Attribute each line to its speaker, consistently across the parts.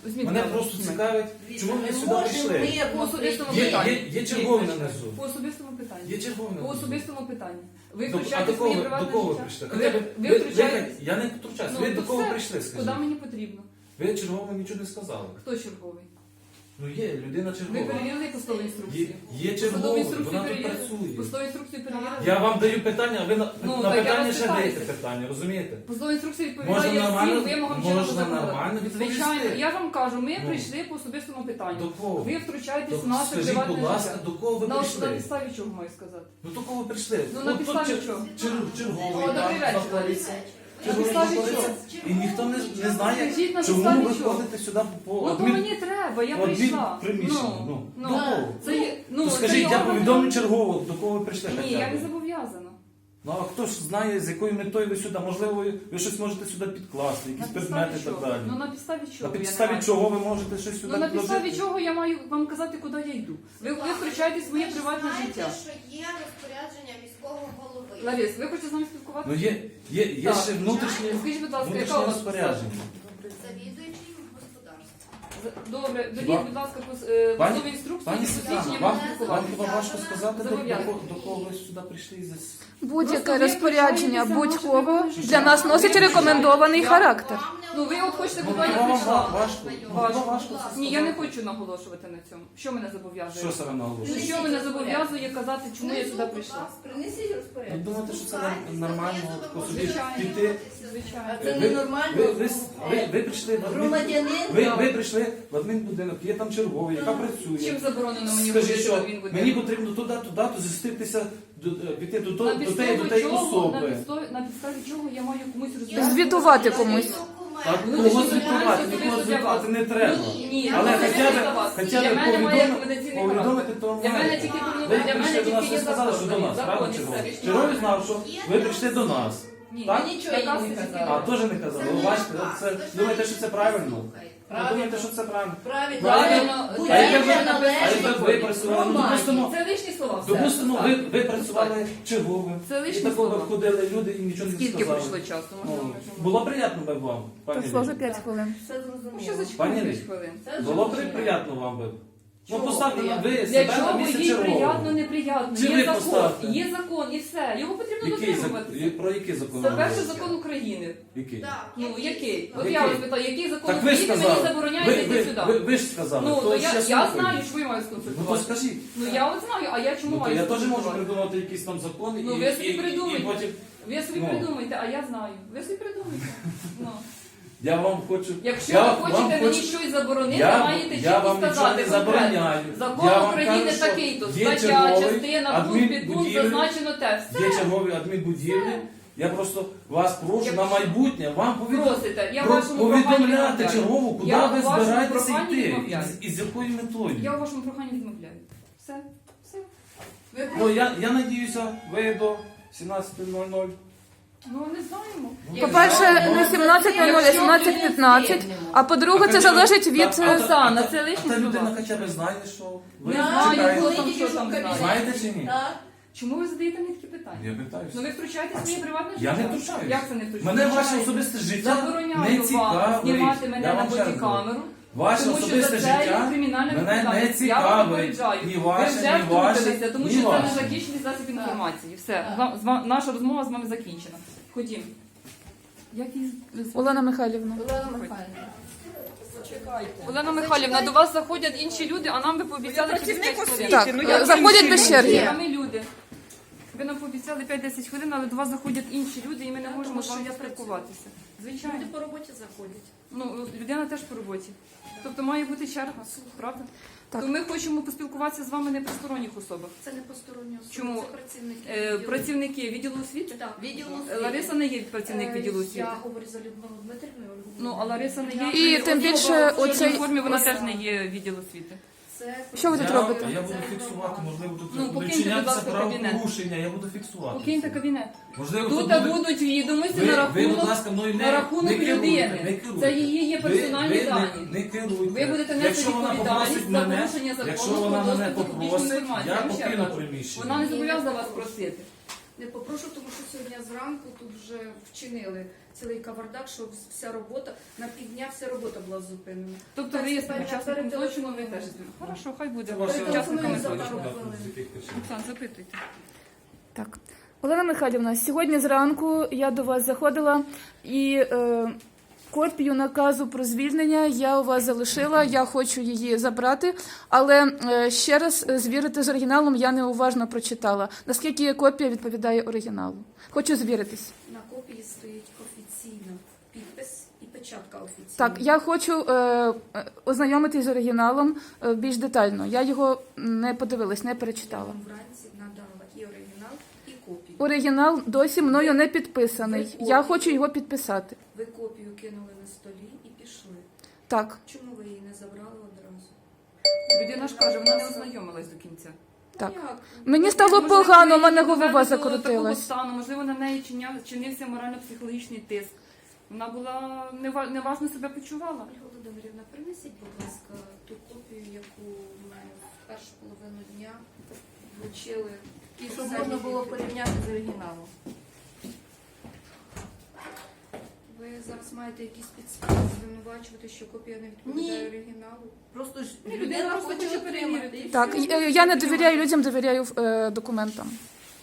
Speaker 1: Мене просто цікавить, чому ви сюди прийшли.
Speaker 2: По особистому питанню.
Speaker 1: Є черговий на низу.
Speaker 2: По особистому питанню.
Speaker 1: Є черговий на
Speaker 2: По
Speaker 1: низу.
Speaker 2: особистому питанню. Ви
Speaker 1: А
Speaker 2: втручаєте
Speaker 1: до
Speaker 2: своє
Speaker 1: кого
Speaker 2: приватне
Speaker 1: ви
Speaker 2: життя.
Speaker 1: прийшли?
Speaker 2: Ви втручаєте.
Speaker 1: Я не втручаюся. Ви до
Speaker 2: то
Speaker 1: кого
Speaker 2: все.
Speaker 1: прийшли,
Speaker 2: Куди
Speaker 1: скажіть?
Speaker 2: мені потрібно?
Speaker 1: Ви черговому нічого не сказали.
Speaker 2: Хто черговий?
Speaker 1: Ну є, людина
Speaker 2: Ви
Speaker 1: чергова.
Speaker 2: перевірили посадову
Speaker 1: Є,
Speaker 2: інструкцію?
Speaker 1: є
Speaker 2: Посадову
Speaker 1: черговий,
Speaker 2: інструкцію
Speaker 1: вона тут
Speaker 2: перевірили?
Speaker 1: працює.
Speaker 2: Посадову інструкцію перевірили?
Speaker 1: Я вам даю питання, а ви на
Speaker 2: Ну, так я
Speaker 1: питання
Speaker 2: вас
Speaker 1: ще
Speaker 2: питаюся.
Speaker 1: даєте питання, розумієте?
Speaker 2: Посадова інструкція
Speaker 1: Можна
Speaker 2: відповідає
Speaker 1: нормально-
Speaker 2: всім вимогам чинного
Speaker 1: можна
Speaker 2: законодавства.
Speaker 1: нормально відповісти.
Speaker 2: Звичайно, я вам кажу, ми
Speaker 1: Ну.
Speaker 2: прийшли по особистому питанню.
Speaker 1: До кого?
Speaker 2: Ви втручаєтесь в
Speaker 1: То
Speaker 2: наше
Speaker 1: скажіть,
Speaker 2: приватне
Speaker 1: будь ласка,
Speaker 2: життя.
Speaker 1: до кого ви
Speaker 2: На
Speaker 1: прийшли?
Speaker 2: підставі чого маю сказати?
Speaker 1: Ну до кого ви прийшли?
Speaker 2: Ну, на
Speaker 1: От тут
Speaker 2: підставі чого?
Speaker 1: Черговий
Speaker 2: О, добрий
Speaker 1: там
Speaker 2: вечір.
Speaker 1: знаходиться.
Speaker 2: На
Speaker 1: Черговий
Speaker 2: підставі
Speaker 1: знаходиться.
Speaker 2: чого?
Speaker 1: І ніхто не знає,
Speaker 2: Скажіть, на
Speaker 1: чому
Speaker 2: підставі
Speaker 1: ви
Speaker 2: чого?
Speaker 1: ходите сюди по
Speaker 2: Ну, то мені треба, я прийшла.
Speaker 1: приміщення. Ну,
Speaker 2: Ну,
Speaker 1: до кого?
Speaker 2: це є,
Speaker 1: Ну,
Speaker 2: це
Speaker 1: скажіть,
Speaker 2: є
Speaker 1: я
Speaker 2: органи-
Speaker 1: повідомлю чергово, до кого ви прийшли.
Speaker 2: Ні,
Speaker 1: хоча
Speaker 2: я
Speaker 1: б.
Speaker 2: не зобов'язана.
Speaker 1: Ну а хто ж знає, з якою метою ви сюди? Можливо, ви щось можете сюди підкласти,
Speaker 2: На
Speaker 1: якісь
Speaker 2: підставі
Speaker 1: предмети і так
Speaker 2: чого?
Speaker 1: далі.
Speaker 2: Ну на підставі
Speaker 1: На
Speaker 2: чого? я не
Speaker 1: підставі
Speaker 2: маю?
Speaker 1: чого ви можете щось сюди
Speaker 2: Ну на підставі
Speaker 1: підложити?
Speaker 2: чого я маю вам казати, куди я йду? Ви втручаєтесь в моє приватне життя.
Speaker 3: Ви що є розпорядження міського голови.
Speaker 2: Ларис, ви хочете з нами
Speaker 1: Ну
Speaker 2: спілкуватися?
Speaker 1: є
Speaker 2: Так.
Speaker 1: ще внутрішнє
Speaker 2: Скажіть, будь ласка, яка
Speaker 1: внутрішнє
Speaker 2: у вас
Speaker 1: розпорядження.
Speaker 3: Завідуючий господарством.
Speaker 2: Добре,
Speaker 1: Хіба-
Speaker 2: довіть, будь ласка,
Speaker 1: Пані-
Speaker 2: посадову інструкцію
Speaker 1: Пані
Speaker 2: і посвідчення
Speaker 1: Світлана,
Speaker 2: можна
Speaker 1: вам
Speaker 2: спілкуватися.
Speaker 1: хіба важко сказати,
Speaker 2: Зобов'язані.
Speaker 1: до кого ви сюди прийшли і
Speaker 4: Будь-яке
Speaker 2: Просто ви
Speaker 4: розпорядження
Speaker 2: втручаєтеся в
Speaker 4: будь-кого
Speaker 2: наше приватне
Speaker 4: для
Speaker 2: життя.
Speaker 4: нас носить рекомендований характер.
Speaker 2: Ну ви от хочете,
Speaker 1: Ну,
Speaker 2: куди я
Speaker 1: хіба вам
Speaker 2: прийшла?
Speaker 1: важко?
Speaker 2: Важко. Ні, я не хочу наголошувати на цьому. Що мене зобов'язує?
Speaker 1: Що саме наголошує?
Speaker 2: Що мене зобов'язує казати, чому я сюди прийшла?
Speaker 3: Принесіть
Speaker 1: Ви
Speaker 3: розпорядження.
Speaker 1: думаєте, що це нормально по собі
Speaker 2: Звичайно.
Speaker 1: піти?
Speaker 2: Звичайно.
Speaker 3: Це
Speaker 1: Ви-
Speaker 3: ненормально.
Speaker 1: ви прийшли в
Speaker 3: Громадянин.
Speaker 1: ви прийшли в адмінбудинок, є там черговий, яка працює.
Speaker 2: Чим заборонено мені
Speaker 1: Скажіть,
Speaker 2: робити,
Speaker 1: що
Speaker 2: він буде?
Speaker 1: мені потрібно туди, зустрітися, піти до
Speaker 2: На
Speaker 1: тієї
Speaker 2: підставі чого,
Speaker 1: особи.
Speaker 2: на підставі чого я маю комусь розповідати?
Speaker 4: Звітувати комусь.
Speaker 1: Так,
Speaker 2: Ну,
Speaker 1: кого
Speaker 2: що,
Speaker 1: звітувати,
Speaker 2: особисто
Speaker 1: нікого
Speaker 2: для
Speaker 1: звітувати
Speaker 2: вас.
Speaker 1: не треба.
Speaker 2: Ні,
Speaker 1: Але
Speaker 2: ну,
Speaker 1: хоча
Speaker 2: для вас.
Speaker 1: б
Speaker 2: Для мене має рекомендаційний
Speaker 1: повідомити
Speaker 2: характер.
Speaker 1: то
Speaker 2: Для мене
Speaker 1: маєте.
Speaker 2: тільки
Speaker 1: Ви
Speaker 2: для мене
Speaker 1: прийшли до нас,
Speaker 2: тільки
Speaker 1: ви
Speaker 2: є
Speaker 1: сказали,
Speaker 2: закон.
Speaker 1: що до нас,
Speaker 2: Закон
Speaker 1: правда,
Speaker 2: і
Speaker 1: черговий?
Speaker 2: все.
Speaker 1: Черговий знав, що ви прийшли до нас.
Speaker 2: Ні,
Speaker 1: Так?
Speaker 2: нічого я не
Speaker 1: А,
Speaker 2: казала.
Speaker 1: теж не казали. Ви бачите, це, думаєте, що це правильно? Ви думаєте, що це правильно?
Speaker 3: Правильно.
Speaker 2: Правильно.
Speaker 3: Будь-яка
Speaker 1: А якби ви
Speaker 3: належить
Speaker 1: працювали, ну,
Speaker 3: громаді.
Speaker 1: допустимо,
Speaker 2: Це лишні слова. все.
Speaker 1: допустимо,
Speaker 2: Так.
Speaker 1: ви працювали черговим.
Speaker 2: Це
Speaker 1: І
Speaker 2: лишні
Speaker 1: такого
Speaker 2: слова.
Speaker 1: входили люди і нічого не
Speaker 2: Скільки
Speaker 1: сказали.
Speaker 2: пройшло часу?
Speaker 1: Ну,
Speaker 2: Можливо,
Speaker 1: було приємно би вам, пані
Speaker 4: Пройшло вже
Speaker 1: Лілі?
Speaker 4: 5 хвилин.
Speaker 3: Все
Speaker 2: Ну, що
Speaker 3: зрозуміло.
Speaker 2: за
Speaker 1: Пані
Speaker 2: 5
Speaker 1: Лілі,
Speaker 2: хвилин?
Speaker 1: Було приємно вам би. Ну
Speaker 2: Чого
Speaker 1: поставте
Speaker 2: приємно?
Speaker 1: ви
Speaker 2: Для
Speaker 1: себе на
Speaker 2: чого
Speaker 1: місце
Speaker 2: їй приємно,
Speaker 1: чергового.
Speaker 2: неприємно?
Speaker 1: Чи ви
Speaker 2: Є закон,
Speaker 1: поставте?
Speaker 2: є закон і все. Його потрібно
Speaker 1: Який
Speaker 2: дотримуватися.
Speaker 1: про який закон?
Speaker 2: Це
Speaker 1: ви
Speaker 2: перший
Speaker 1: говорите?
Speaker 2: закон України.
Speaker 1: Який?
Speaker 3: Так,
Speaker 2: Ну, який? От
Speaker 1: Який?
Speaker 2: я вас питаю, який закон
Speaker 1: Так ви ж
Speaker 2: України мені
Speaker 1: сказали.
Speaker 2: забороняє йти сюди?
Speaker 1: Ви ж сказали.
Speaker 2: Ну,
Speaker 1: то
Speaker 2: то
Speaker 1: ще
Speaker 2: я
Speaker 1: слухаю.
Speaker 2: знаю, що ви маєте
Speaker 1: Ну то
Speaker 2: сконсультувати.
Speaker 1: скажіть.
Speaker 2: Ну, я от знаю, а я чому
Speaker 1: Ну, то
Speaker 2: маю
Speaker 1: я теж можу
Speaker 2: сконсультувати?
Speaker 1: придумати якийсь там закон
Speaker 2: Ну, ви собі придумайте.
Speaker 1: і потім...
Speaker 2: Ви собі
Speaker 1: Ну.
Speaker 2: придумайте, а я знаю. Ви собі придумайте. Ну.
Speaker 1: Я вам хочу...
Speaker 2: Якщо
Speaker 1: я
Speaker 2: ви
Speaker 1: вам
Speaker 2: хочете мені
Speaker 1: хочу-
Speaker 2: щось заборонити,
Speaker 1: Я-
Speaker 2: маєте
Speaker 1: я
Speaker 2: чітко
Speaker 1: вам нічого
Speaker 2: сказати
Speaker 1: не
Speaker 2: конкретно.
Speaker 1: забороняю.
Speaker 2: Закон
Speaker 1: Я вам
Speaker 2: України
Speaker 1: кажу, що
Speaker 2: такий-то,
Speaker 1: є
Speaker 2: стаття,
Speaker 1: черговий
Speaker 2: частина, пункт, підпункт,
Speaker 1: адмінбудівлі,
Speaker 2: зазначено те. Все.
Speaker 1: Є чергові адмінбудівлі. Я просто вас прошу
Speaker 2: Якщо-
Speaker 1: на майбутнє вам
Speaker 2: Просите, я вашому проханню
Speaker 1: повідомляти
Speaker 2: відмовляю.
Speaker 1: чергову, куди
Speaker 2: Я
Speaker 1: ви
Speaker 2: у вашому
Speaker 1: збираєтеся
Speaker 2: проханні
Speaker 1: йти
Speaker 2: відмовляю.
Speaker 1: і з якою метою.
Speaker 2: Я у вашому проханні відмовляю. Все. Все. Ви
Speaker 1: Ну, я надіюся, ви до 17:00.
Speaker 2: Ну, не знаємо.
Speaker 4: По-перше, не 17:00, а 17:15. А по-друге, це залежить від...
Speaker 2: Оксана, це
Speaker 1: А
Speaker 2: лишні
Speaker 1: та
Speaker 2: слова.
Speaker 1: людина хоча б знає, що ви
Speaker 2: Не знаю,
Speaker 1: чекаєте.
Speaker 2: хто там, що там знає.
Speaker 1: Знаєте чи ні?
Speaker 3: Так.
Speaker 2: Чому ви задаєте мені такі питання?
Speaker 1: Я питаюся.
Speaker 2: Ну ви втручаєтесь в моє приватне життя?
Speaker 1: Я не втручаюсь.
Speaker 2: Як це не втручаєтесь?
Speaker 1: Мене ваше особисте життя не
Speaker 2: Забороняю вам
Speaker 1: цікавить.
Speaker 2: знімати мене
Speaker 1: Я
Speaker 2: на
Speaker 1: вам ще раз говорю.
Speaker 2: бодікамеру.
Speaker 1: Ваше
Speaker 2: Тому що
Speaker 1: особисте
Speaker 2: за це є
Speaker 1: життя
Speaker 2: кримінальна
Speaker 1: мене не
Speaker 2: відповідальність. Я вас
Speaker 1: цікавить.
Speaker 2: попереджаю.
Speaker 1: Ні
Speaker 2: Ви
Speaker 1: ваше,
Speaker 2: вже
Speaker 1: ні ваше,
Speaker 2: втрутилися, тому
Speaker 1: ні
Speaker 2: що це
Speaker 1: ваше.
Speaker 2: не захищений засіб інформації. Все, наша розмова з вами закінчена. Ходім.
Speaker 4: Олена Михайлівна.
Speaker 3: Олена Михайлівна.
Speaker 2: Олена Михайлівна, до вас заходять інші люди, а нам ви пообіцяли через 5 хвилин.
Speaker 4: Так, заходять без черги.
Speaker 2: А ми люди. Ви нам пообіцяли 5-10 хвилин, але до вас заходять інші люди, і ми не можемо з вами спілкуватися. Звичайно.
Speaker 3: Люди по роботі заходять.
Speaker 2: Ну, людина теж по роботі. Тобто має бути черга, правда?
Speaker 4: Так.
Speaker 2: То ми хочемо поспілкуватися з вами не при сторонніх особах.
Speaker 3: Це не посторонні особи,
Speaker 2: Чому?
Speaker 3: це працівники.
Speaker 2: Працівники відділу освіти?
Speaker 3: Так, відділу освіти.
Speaker 2: Лариса не є працівник відділу освіти.
Speaker 3: Я говорю за Людмилу Дмитрівну.
Speaker 2: Ну, а Лариса не є.
Speaker 4: І тим більше
Speaker 2: в чорній
Speaker 4: оцей-
Speaker 2: формі вона теж не є відділ освіти.
Speaker 3: Це
Speaker 4: Що ви тут робите?
Speaker 1: Я буду фіксувати, можливо, тут
Speaker 2: Ну,
Speaker 1: будуть
Speaker 2: покиньте, будь
Speaker 1: чинятися
Speaker 2: ласка, кабінет.
Speaker 1: правопорушення, я буду фіксувати.
Speaker 2: Покиньте кабінет.
Speaker 1: Можливо,
Speaker 2: Тут
Speaker 1: буде-
Speaker 2: будуть відомості
Speaker 1: Ви,
Speaker 2: на
Speaker 1: будь
Speaker 2: рахунок,
Speaker 1: ласка, мною
Speaker 2: на рахунок
Speaker 1: не керуйте,
Speaker 2: людини.
Speaker 1: не керуйте.
Speaker 2: Це її є персональні
Speaker 1: ви
Speaker 2: дані.
Speaker 1: Не керуйте.
Speaker 2: Ви будете нести
Speaker 1: Якщо вона
Speaker 2: відповідальність
Speaker 1: попросить
Speaker 2: за
Speaker 1: мене,
Speaker 2: порушення закону
Speaker 1: якщо
Speaker 2: про
Speaker 1: вона мене
Speaker 2: доступ до публічної
Speaker 1: попросить,
Speaker 2: інформації.
Speaker 1: я
Speaker 2: вам ще
Speaker 1: покину
Speaker 2: кажу.
Speaker 1: приміщення.
Speaker 2: Вона не зобов'язана вас просити.
Speaker 3: не попрошу, тому що сьогодні зранку тут вже вчинили цілий кавардак, що вся робота, на півдня вся робота була зупинена.
Speaker 2: Тобто
Speaker 3: Так,
Speaker 2: ви є
Speaker 3: тепер
Speaker 2: учасником
Speaker 3: я
Speaker 2: злочину, ви
Speaker 3: перетелефоную.
Speaker 2: теж. Хорошо, хай буде.
Speaker 1: Це ваше
Speaker 2: Учасниками
Speaker 3: за
Speaker 2: злочину.
Speaker 3: пару хвилин.
Speaker 1: з яких причин?
Speaker 2: Оксан, запитуйте.
Speaker 4: Так. Олена Михайлівна, сьогодні зранку я до вас заходила і копію наказу про звільнення я у вас залишила, я хочу її забрати, але ще раз звірити з оригіналом я неуважно прочитала. Наскільки копія відповідає оригіналу? Хочу звіритись.
Speaker 3: На копії стоїть офіційно підпис і печатка офіційна.
Speaker 4: Так, я хочу ознайомитись з оригіналом більш детально. Я його не подивилась, не
Speaker 3: Я
Speaker 4: перечитала.
Speaker 3: вам вранці надала і оригінал, і копію.
Speaker 4: Оригінал досі мною не підписаний. Я хочу його підписати.
Speaker 3: Ви копію кинули на столі і пішли.
Speaker 4: Так,
Speaker 3: Чому ви її не забрали одразу?
Speaker 2: Людина ж каже, вона не ознайомилась до кінця.
Speaker 4: так.
Speaker 3: Ну, як?
Speaker 4: Мені стало
Speaker 2: Можливо,
Speaker 4: погано, у
Speaker 2: її
Speaker 4: мене
Speaker 2: довели
Speaker 4: голова
Speaker 2: до такого
Speaker 4: закрутилась.
Speaker 2: стану, можливо, на неї чинився морально-психологічний тиск. Вона була неважно себе почувала.
Speaker 3: Ольга Володимирівна, принесіть, будь ласка, ту копію, яку ми в першу половину дня вручили.
Speaker 5: І щоб можна було порівняти з оригіналом.
Speaker 3: Ви зараз маєте якісь підстави звинувачувати, що копія не відповідає
Speaker 5: Ні.
Speaker 3: оригіналу?
Speaker 5: Просто ж
Speaker 2: Людина
Speaker 5: людина
Speaker 2: просто
Speaker 5: хоче
Speaker 2: хоче
Speaker 5: отримати.
Speaker 2: перевірити.
Speaker 5: і
Speaker 4: Так,
Speaker 5: все.
Speaker 4: я не довіряю людям, довіряю документам.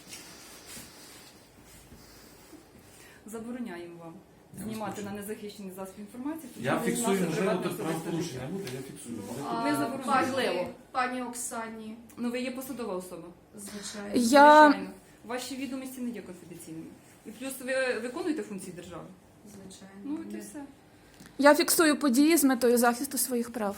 Speaker 2: Забороняємо вам
Speaker 1: Я
Speaker 2: знімати
Speaker 1: вас
Speaker 2: на незахищений засіб інформації. тому
Speaker 1: Я
Speaker 2: що
Speaker 1: фіксую,
Speaker 2: це
Speaker 1: можливо,
Speaker 2: приватне
Speaker 1: тут
Speaker 2: особисте
Speaker 1: правопорушення
Speaker 2: життя.
Speaker 1: буде, я фіксую.
Speaker 2: Не заборонено.
Speaker 3: Пані Оксані,
Speaker 2: Ну, ви є посадова особа.
Speaker 3: звичайно.
Speaker 4: Я
Speaker 2: Звичайно. Ваші відомості не є конфіденційними. І плюс ви виконуєте функції держави.
Speaker 3: Звичайно.
Speaker 2: Ну, от і
Speaker 3: Ми-
Speaker 2: все.
Speaker 4: Я фіксую події з метою захисту своїх прав.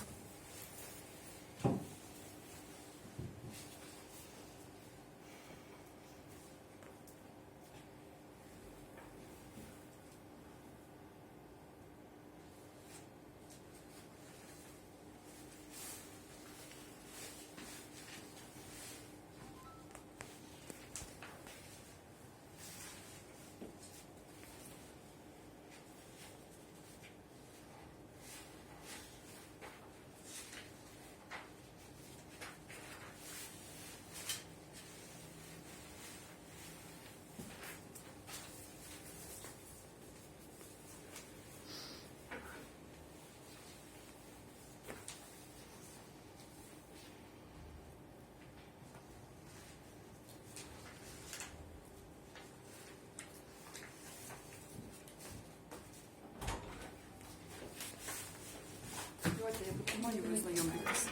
Speaker 2: Давайте я потримаю, ви знайомитесь.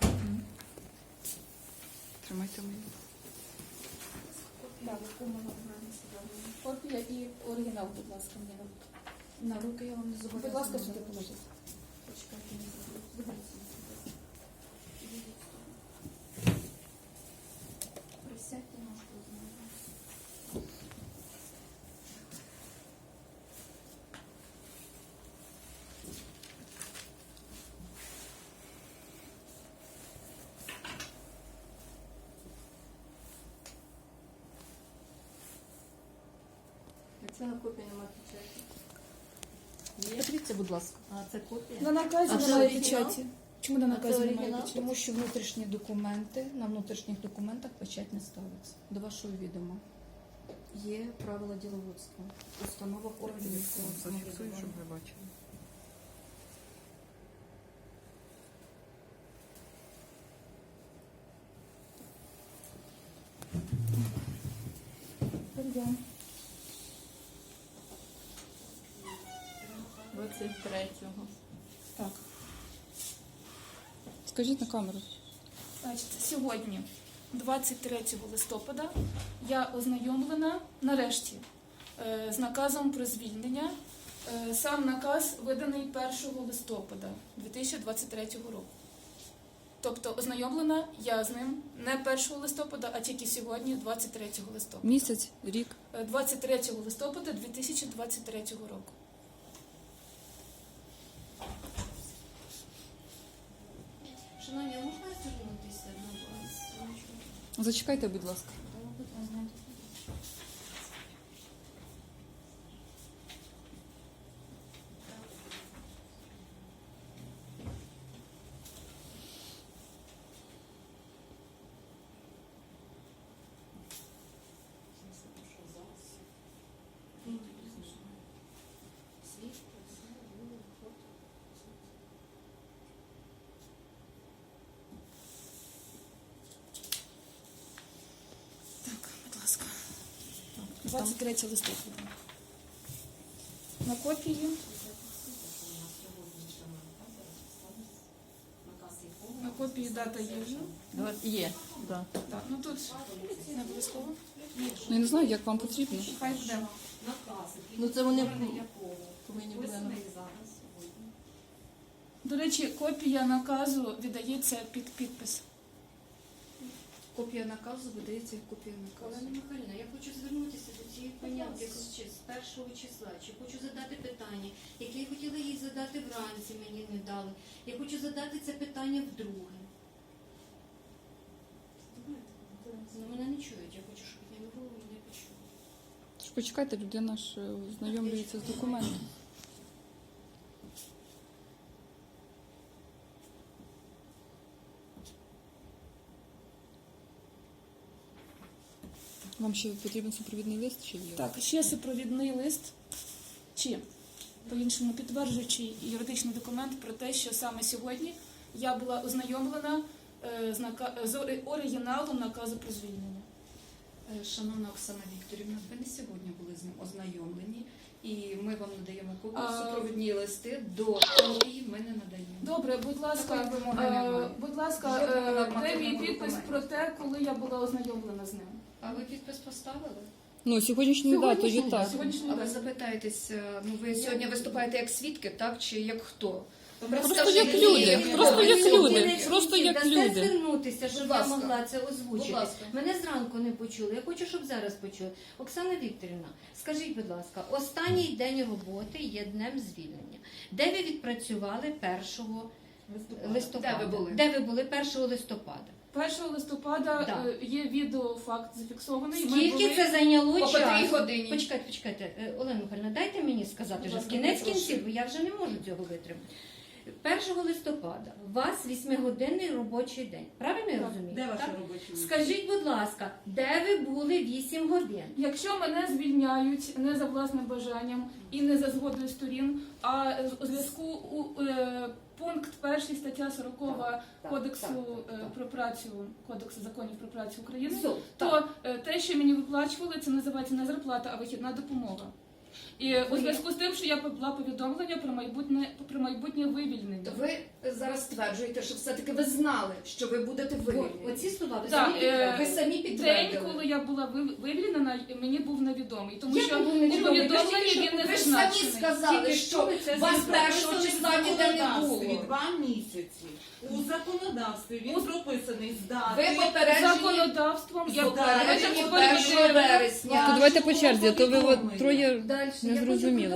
Speaker 2: Тримайте мені.
Speaker 4: Копія і оригінал, будь ласка, мені.
Speaker 3: На руки я вам не зобов'язана.
Speaker 4: Будь ласка, сюди положіть.
Speaker 3: Почекайте, не забудь. Присядьте, можете знати.
Speaker 5: Якщо на копії немає печаті. Подивіться, будь ласка. А це копія?
Speaker 4: На наказі
Speaker 5: А це
Speaker 4: немає
Speaker 5: оригінал?
Speaker 4: печаті. Чому на наказі
Speaker 5: це
Speaker 4: немає
Speaker 5: оригінал?
Speaker 4: печаті?
Speaker 6: Тому що внутрішні документи, на внутрішніх документах печать не ставиться. До вашого відома. Є правила діловодства, установах органів місцевого
Speaker 2: Зафіксую, щоб
Speaker 6: самоврядування.
Speaker 2: ви бачили.
Speaker 4: Пардон.
Speaker 5: 23-го.
Speaker 4: Так.
Speaker 2: Скажіть на камеру.
Speaker 4: Значить, сьогодні, 23 листопада, я ознайомлена нарешті з наказом про звільнення. Сам наказ виданий 1 листопада 2023 року. Тобто ознайомлена я з ним не 1 листопада, а тільки сьогодні, 23 листопада.
Speaker 2: Місяць, рік.
Speaker 4: 23 листопада 2023 року.
Speaker 3: Шановні, а можна звернутися до вас?
Speaker 2: Зачекайте, будь ласка.
Speaker 4: 23 листопада. На копії дата є вже.
Speaker 5: Є, так.
Speaker 4: Так, ну тут не обов'язково.
Speaker 6: Ну, я не знаю, як вам потрібно.
Speaker 4: Хай буде.
Speaker 5: Ну це вони повинні були нам.
Speaker 4: До речі, копія наказу віддається під підпис.
Speaker 3: Копія наказу видається як копія наказу.
Speaker 7: Олена Михайлівна, я хочу звернутися до цієї панянки з першого числа. Чи хочу задати питання, яке я хотіла їй задати вранці, мені не дали. Я хочу задати це питання вдруге. Ну, мене не чують, я хочу, щоб підняли голову, мене почули.
Speaker 6: Тож почекайте, людина ж знайомлюється з документом. Вам ще потрібен супровідний лист чи є?
Speaker 4: Так, ще супровідний лист, чи по-іншому підтверджуючий юридичний документ про те, що саме сьогодні я була ознайомлена з оригіналом наказу про звільнення.
Speaker 3: Шановна Оксана Вікторівна, ви не сьогодні були з ним ознайомлені, і ми вам надаємо копію, супровідні листи до копії ми не надаємо.
Speaker 4: Добре, будь ласка,
Speaker 3: Такої вимоги немає.
Speaker 4: будь ласка,
Speaker 3: Жодного
Speaker 4: де
Speaker 3: нормативного
Speaker 4: мій підпис
Speaker 3: документу.
Speaker 4: про те, коли я була ознайомлена з ним?
Speaker 3: А ви підпис поставили?
Speaker 6: Ну, сьогоднішньою датою, так.
Speaker 4: Сьогоднішній
Speaker 3: А ви
Speaker 4: день.
Speaker 3: запитаєтесь, ну ви сьогодні виступаєте як свідки, так? Чи як хто?
Speaker 6: Просто як люди, просто як люди, просто як
Speaker 7: Дасте
Speaker 6: люди.
Speaker 7: звернутися, щоб
Speaker 3: Будь
Speaker 7: я
Speaker 3: ласка.
Speaker 7: могла це озвучити.
Speaker 3: Будь ласка.
Speaker 7: Мене зранку не почули. Я хочу, щоб зараз почули. Оксана Вікторівна, скажіть, будь ласка, останній день роботи є днем звільнення. Де ви відпрацювали 1 листопада?
Speaker 3: Де ви були?
Speaker 7: Де ви були 1 листопада?
Speaker 4: 1 листопада
Speaker 7: Так.
Speaker 4: є відеофакт зафіксований. Ми
Speaker 7: Скільки
Speaker 4: були-
Speaker 7: це зайняло
Speaker 3: По котрій
Speaker 7: часу?
Speaker 3: годині?
Speaker 7: Почекайте. Олена Михайлівна, дайте мені сказати
Speaker 4: Будь
Speaker 7: вже
Speaker 4: ласка,
Speaker 7: кінець
Speaker 3: прошу.
Speaker 7: кінців, бо я вже не можу цього витримати. 1 листопада у вас 8-годинний робочий день. Правильно я
Speaker 4: Так.
Speaker 7: розумію?
Speaker 8: Де ваш
Speaker 7: Так?
Speaker 8: робочий день?
Speaker 7: Скажіть, будь ласка, де ви були 8 годин?
Speaker 4: Якщо мене звільняють не за власним бажанням і не за згодою сторін, а у зв'язку пункт 1 стаття 40 Кодексу про працю, Кодексу законів про працю України, то те, що мені виплачували, це називається не зарплата, а вихідна допомога. І у зв'язку з тим, що я була повідомлення про майбутнє вивільнення.
Speaker 3: То ви зараз стверджуєте, що все-таки ви знали, що ви будете вивільнені.
Speaker 7: Оці слова ви
Speaker 4: Так,
Speaker 7: самі
Speaker 3: Ви самі
Speaker 4: День,
Speaker 3: підтвердили.
Speaker 4: коли я була вивільнена, мені був невідомий, тому
Speaker 7: Як
Speaker 4: що
Speaker 7: був
Speaker 4: у
Speaker 7: невідомий?
Speaker 4: повідомленні
Speaker 7: Ви ж
Speaker 4: він не
Speaker 3: Ви ж самі
Speaker 4: зазначений.
Speaker 3: сказали,
Speaker 7: Тільки
Speaker 3: що
Speaker 7: що ви це
Speaker 3: вас
Speaker 7: зробили?
Speaker 3: 1 числа ніде не
Speaker 8: законодавстві
Speaker 3: було.
Speaker 8: 2 місяці. У законодавстві він прописаний з дати.
Speaker 3: Ви попереджені
Speaker 4: Законодавством я
Speaker 3: попереджені
Speaker 4: вперше
Speaker 3: 1 вересня.
Speaker 6: То давайте по черзі, а то ви от троє
Speaker 7: Далі.
Speaker 6: не зрозуміло.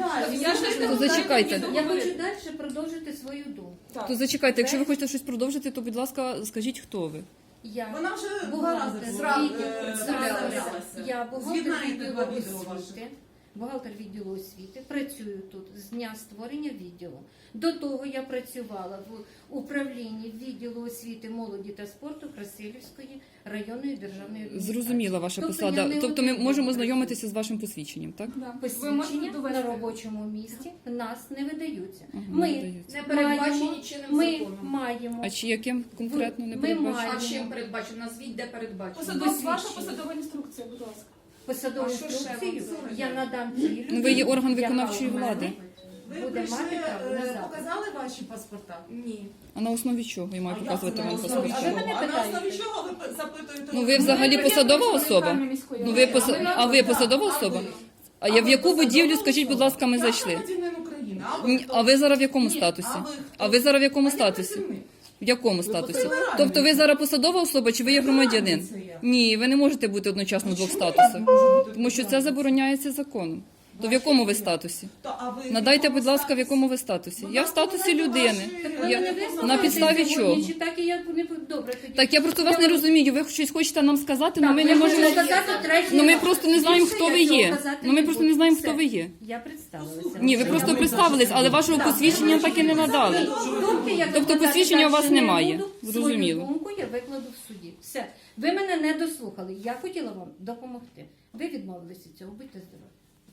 Speaker 4: Я ж не
Speaker 6: То зачекайте.
Speaker 7: Я хочу далі продовжити свою думку.
Speaker 6: То зачекайте, якщо ви хочете щось продовжити, то, будь ласка, скажіть, хто ви.
Speaker 7: Я
Speaker 8: Вона вже
Speaker 7: бухгалтер
Speaker 8: представлялася.
Speaker 7: Я бухгалтер
Speaker 8: З'єднайте
Speaker 7: відділу
Speaker 8: два відео ваші.
Speaker 7: освіти. Бухгалтер відділу освіти. Працюю тут з дня створення відділу. До того я працювала в управлінні відділу освіти, молоді та спорту Красилівської районної державної адміністрації.
Speaker 6: Зрозуміла ваша
Speaker 7: Тобто
Speaker 6: посада.
Speaker 7: я не
Speaker 6: Тобто ми
Speaker 7: один
Speaker 6: можемо
Speaker 7: працюю.
Speaker 6: знайомитися з вашим посвідченням, так?
Speaker 4: Да. Ви
Speaker 7: Посвідчення
Speaker 4: можете
Speaker 7: на
Speaker 4: довести.
Speaker 7: робочому місці в нас не видаються.
Speaker 6: Ага,
Speaker 7: Ми
Speaker 6: не видаються.
Speaker 3: Не передбачені чинним
Speaker 7: Ми
Speaker 3: законом.
Speaker 7: маємо
Speaker 6: А чи яким конкретно не
Speaker 7: Ми
Speaker 6: передбачено?
Speaker 7: маємо.
Speaker 3: А чим передбачено? Назвіть, де передбачено.
Speaker 4: Ваша посадова інструкція, будь ласка.
Speaker 7: посадову
Speaker 3: А що ще
Speaker 7: інструкцію.
Speaker 3: вам
Speaker 7: Я надам цій людині,
Speaker 6: Ну, ви є орган
Speaker 7: яка
Speaker 6: виконавчої
Speaker 7: у мене
Speaker 6: влади.
Speaker 8: Ви
Speaker 7: буде
Speaker 8: прийшли,
Speaker 7: мати право на запит.
Speaker 8: показали ваші паспорта?
Speaker 3: Ні.
Speaker 6: А на основі чого я маю
Speaker 8: А
Speaker 6: показувати
Speaker 8: як
Speaker 6: вам
Speaker 8: це на основі
Speaker 6: паспорт?
Speaker 7: А ви мене
Speaker 8: чого? А на
Speaker 7: питаєте?
Speaker 8: основі чого ви запитуєте?
Speaker 6: Ну, ви взагалі посадова особа? Ну, ви а ви посадова особа? А я в яку будівлю, скажіть, будь ласка, ми
Speaker 8: Я
Speaker 6: зайшли?
Speaker 8: громадянин України.
Speaker 6: А ви зараз в якому статусі?
Speaker 8: А ви хто?
Speaker 6: А ви зараз в якому
Speaker 8: А я
Speaker 6: статусі?
Speaker 8: працівник.
Speaker 6: В якому статусі?
Speaker 8: федеральний.
Speaker 6: Тобто ви зараз посадова особа чи ви є громадянин?
Speaker 8: Це я.
Speaker 6: Ні, ви не можете бути одночасно в двох
Speaker 8: Чому я
Speaker 6: статусах.
Speaker 8: не можу бути
Speaker 6: Тому що це
Speaker 8: посадова?
Speaker 6: забороняється законом. То в якому ви статусі?
Speaker 8: То, а ви в
Speaker 6: Надайте,
Speaker 8: якому
Speaker 6: будь ласка, в
Speaker 8: статусі?
Speaker 6: якому ви статусі?
Speaker 8: Будь
Speaker 6: Я в
Speaker 8: ласка,
Speaker 6: статусі
Speaker 8: надайте
Speaker 6: людини.
Speaker 8: ваші-
Speaker 7: Так ви
Speaker 6: Я-
Speaker 7: мене
Speaker 6: на
Speaker 7: вислухаєте
Speaker 6: підставі
Speaker 7: сьогодні,
Speaker 6: чого?
Speaker 7: Чи так і я не добре тоді.
Speaker 6: Так я просто вас не розумію. Ви щось хочете нам сказати, але
Speaker 7: Так,
Speaker 6: ми
Speaker 7: ви
Speaker 6: не можемо.
Speaker 7: хочете сказати третій
Speaker 6: Ну ми
Speaker 7: раз.
Speaker 6: просто не знаємо,
Speaker 7: Більше
Speaker 6: хто
Speaker 7: я
Speaker 6: ви
Speaker 7: цього
Speaker 6: є.
Speaker 7: казати
Speaker 6: Ну ми
Speaker 7: не
Speaker 6: просто
Speaker 7: буду.
Speaker 6: не знаємо,
Speaker 7: Все.
Speaker 6: хто ви є.
Speaker 7: Я представилася.
Speaker 6: Ні, ви просто представились, але вашого посвідчення так і не надали.
Speaker 7: Думки я
Speaker 6: Тобто
Speaker 7: викладати
Speaker 6: посвідчення у вас
Speaker 7: далі не
Speaker 6: немає.
Speaker 7: буду.
Speaker 6: Зрозуміло.
Speaker 7: Свою думку я викладу в суді. Все. Ви мене не дослухали. Я хотіла вам допомогти. Ви відмовилися від цього. Будьте здорові.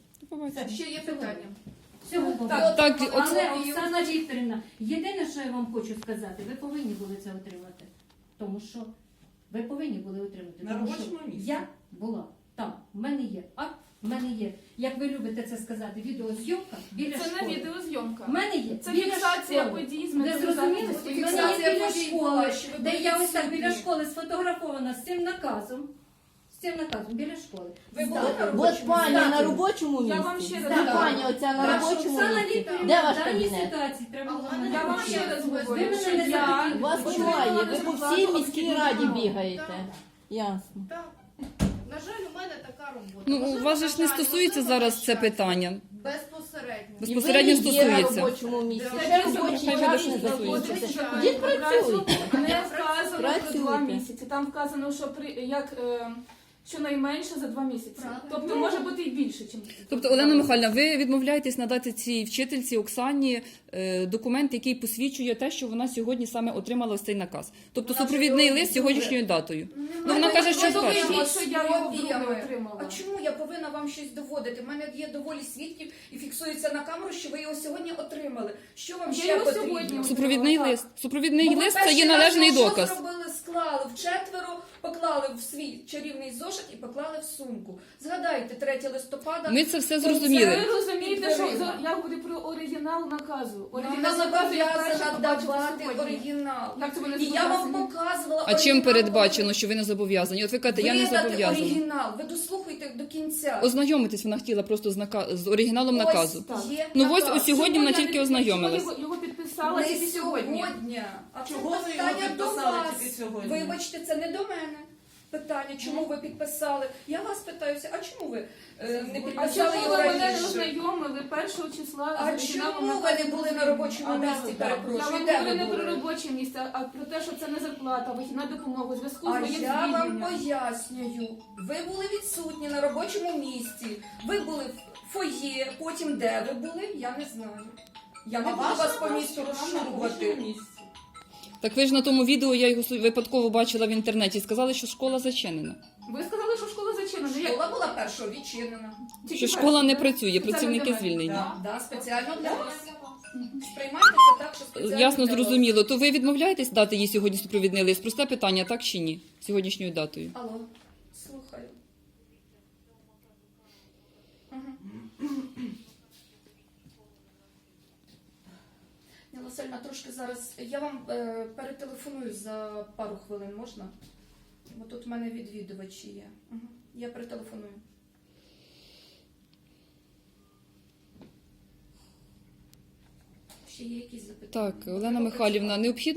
Speaker 3: Ще є питання.
Speaker 7: Всього доброго.
Speaker 6: Так,
Speaker 7: Але Оксана Вікторівна, єдине, що я вам хочу сказати, ви повинні були це отримати. Тому що ви повинні були отримати.
Speaker 8: На
Speaker 7: Тому що
Speaker 8: робочому місці.
Speaker 7: я була там, в мене є акт, в мене є, як ви любите це сказати, відеозйомка біля
Speaker 4: Це
Speaker 7: школи.
Speaker 4: не відеозйомка.
Speaker 7: В мене є
Speaker 4: Це
Speaker 7: біля
Speaker 4: фіксація
Speaker 7: школи.
Speaker 4: подій з
Speaker 7: Ви зрозуміли?
Speaker 4: методизації.
Speaker 7: В мене є
Speaker 3: Фіксація
Speaker 7: біля
Speaker 3: подій
Speaker 7: школи,
Speaker 3: була, що ви
Speaker 7: де
Speaker 3: були
Speaker 7: я ось так
Speaker 3: відсутні.
Speaker 7: біля школи сфотографована з цим наказом. З цим наказом біля школи.
Speaker 3: Ви були
Speaker 7: Здати.
Speaker 3: на
Speaker 9: От
Speaker 3: робочому
Speaker 9: пані
Speaker 3: місці?
Speaker 9: на робочому
Speaker 4: Я вам
Speaker 9: місці.
Speaker 4: ще
Speaker 9: Де
Speaker 4: раз
Speaker 9: пані
Speaker 4: кажу.
Speaker 9: оця на
Speaker 7: Так,
Speaker 9: робочому
Speaker 7: Оксана
Speaker 9: місці?
Speaker 7: Вікторівна,
Speaker 9: Де ваш
Speaker 7: в даній
Speaker 9: кабінет?
Speaker 7: ситуації треба було мене
Speaker 4: Я вам ще раз говорю,
Speaker 7: Ви
Speaker 4: що
Speaker 7: мене не
Speaker 4: я
Speaker 7: запитали.
Speaker 9: У вас
Speaker 4: отримала
Speaker 9: немає, ви по
Speaker 4: результати
Speaker 9: всій міській раді
Speaker 4: обхідного.
Speaker 9: бігаєте. Ясно.
Speaker 10: Так. На жаль, у мене така робота.
Speaker 1: Ну, у
Speaker 10: Можливо,
Speaker 1: вас же ж не
Speaker 10: на жаль,
Speaker 1: стосується
Speaker 10: можливо,
Speaker 1: зараз
Speaker 10: на
Speaker 1: це
Speaker 10: щастя.
Speaker 1: питання.
Speaker 10: Безпосередньо.
Speaker 1: Безпосередньо
Speaker 9: І ви є на
Speaker 1: стосується.
Speaker 9: робочому місці.
Speaker 10: Це
Speaker 9: Ще
Speaker 4: дійсно
Speaker 9: робочий
Speaker 1: хай
Speaker 9: час
Speaker 1: буде
Speaker 9: не
Speaker 1: стосується.
Speaker 9: закінчиться.
Speaker 10: Звичайно.
Speaker 9: Дід працюйте.
Speaker 4: Не вказано про 2
Speaker 9: Працюйте.
Speaker 4: місяці. Там вказано, що щонайменше за 2 місяці.
Speaker 10: Правильно.
Speaker 4: Тобто може бути і більше, ніж.
Speaker 1: Тобто, Олена Михайлівна, ви відмовляєтесь надати цій вчительці Оксані документ, який посвідчує те, що вона сьогодні саме отримала ось цей наказ. Тобто
Speaker 3: Вона
Speaker 1: супровідний
Speaker 3: ж
Speaker 1: лист
Speaker 3: його
Speaker 1: сьогоднішньою датою.
Speaker 3: Ну,
Speaker 1: вона каже, що
Speaker 3: ви
Speaker 1: вперше.
Speaker 3: доведіть
Speaker 4: Що я його
Speaker 3: копіями.
Speaker 4: вдруге отримала.
Speaker 3: А чому я повинна вам щось доводити? У мене є доволі свідків і фіксується на камеру, що ви його сьогодні отримали. Що вам
Speaker 4: Я
Speaker 3: ще
Speaker 4: його
Speaker 3: потрібно?
Speaker 4: сьогодні
Speaker 1: Супровідний
Speaker 4: Так.
Speaker 1: лист. Супровідний
Speaker 3: Ну, ви
Speaker 1: лист це
Speaker 3: перший
Speaker 1: є
Speaker 3: раз
Speaker 1: належний
Speaker 3: його
Speaker 1: доказ.
Speaker 3: Що зробили? Склали вчетверо, поклали в свій чарівний зошит і поклали в сумку. Згадайте, 3 листопада.
Speaker 1: Ми це все
Speaker 4: Ви
Speaker 1: зрозуміли.
Speaker 4: розумієте, що
Speaker 3: Підтвердила.
Speaker 4: я говорю про оригінал наказу.
Speaker 3: Вона
Speaker 4: Оригінал наказу я перша
Speaker 3: зобов'язана
Speaker 4: побачила
Speaker 3: давати
Speaker 4: сьогодні.
Speaker 3: оригінал.
Speaker 4: Як це ви не
Speaker 3: І я вам
Speaker 4: зобов'язані?
Speaker 3: показувала
Speaker 1: А чим
Speaker 3: оригінал.
Speaker 1: передбачено, що ви не зобов'язані? От ви кажете, я не
Speaker 3: Видати
Speaker 1: зобов'язана.
Speaker 3: оригінал. Ви дослухайте до кінця.
Speaker 1: Ознайомитись вона хотіла просто з оригіналом наказу.
Speaker 3: Ось є
Speaker 1: Ну ось
Speaker 3: наказ.
Speaker 1: сьогодні вона
Speaker 4: Чому я
Speaker 1: тільки
Speaker 4: не-
Speaker 1: ознайомилась.
Speaker 4: чому Його підписала
Speaker 3: Не
Speaker 4: тільки сьогодні.
Speaker 3: А це
Speaker 8: Чого ви його
Speaker 3: питання до
Speaker 8: підписали
Speaker 3: вас.
Speaker 8: тільки сьогодні?
Speaker 3: Вибачте, це не до мене. Питання, чому ви підписали? Я вас питаюся, а чому ви не
Speaker 4: А
Speaker 3: підписали
Speaker 4: чому
Speaker 3: його
Speaker 4: ви мене не
Speaker 3: раніше?
Speaker 4: ознайомили 1 числа
Speaker 3: А
Speaker 4: з оригіналом
Speaker 3: чому ви
Speaker 4: наказу
Speaker 3: не були на
Speaker 4: України?
Speaker 3: робочому
Speaker 4: А де
Speaker 3: місці,
Speaker 4: ви?
Speaker 3: перепрошую?
Speaker 4: Я вам
Speaker 3: Де
Speaker 4: говорю
Speaker 3: ви
Speaker 4: не про
Speaker 3: були?
Speaker 4: робоче місце, а про те, що це не зарплата, вихідна допомога у зв'язку з
Speaker 3: А
Speaker 4: моїм
Speaker 3: я вам
Speaker 4: звільненням.
Speaker 3: пояснюю. Ви були відсутні на робочому місці. Ви були в фоє, потім де ви були, я не знаю. Я не буду вас по місту розшукувати.
Speaker 1: Так ви ж на тому відео, я його випадково бачила в інтернеті, сказали, що школа зачинена.
Speaker 4: Ви сказали, що школа зачинена. Як?
Speaker 3: Школа була першого відчинена.
Speaker 4: Тільки
Speaker 1: Що
Speaker 4: перша,
Speaker 1: школа не
Speaker 4: так?
Speaker 1: працює,
Speaker 4: Спеціально
Speaker 1: працівники
Speaker 4: для мене.
Speaker 1: звільнені.
Speaker 3: Да, спеціально для вас. Сприймайте це так, що спеціально
Speaker 1: Ясно,
Speaker 3: для вас.
Speaker 1: зрозуміло. То ви відмовляєтесь дати їй сьогодні супровідний лист? Просте питання, так чи ні? Сьогоднішньою датою.
Speaker 3: Алло, слухаю. Ніна Васильівна, трошки зараз. Я вам перетелефоную за пару хвилин, можна? Бо тут в мене відвідувачі є. Я перетелефоную. Ще є якісь запитання?
Speaker 1: Так, Олена Михайлівна, необхідно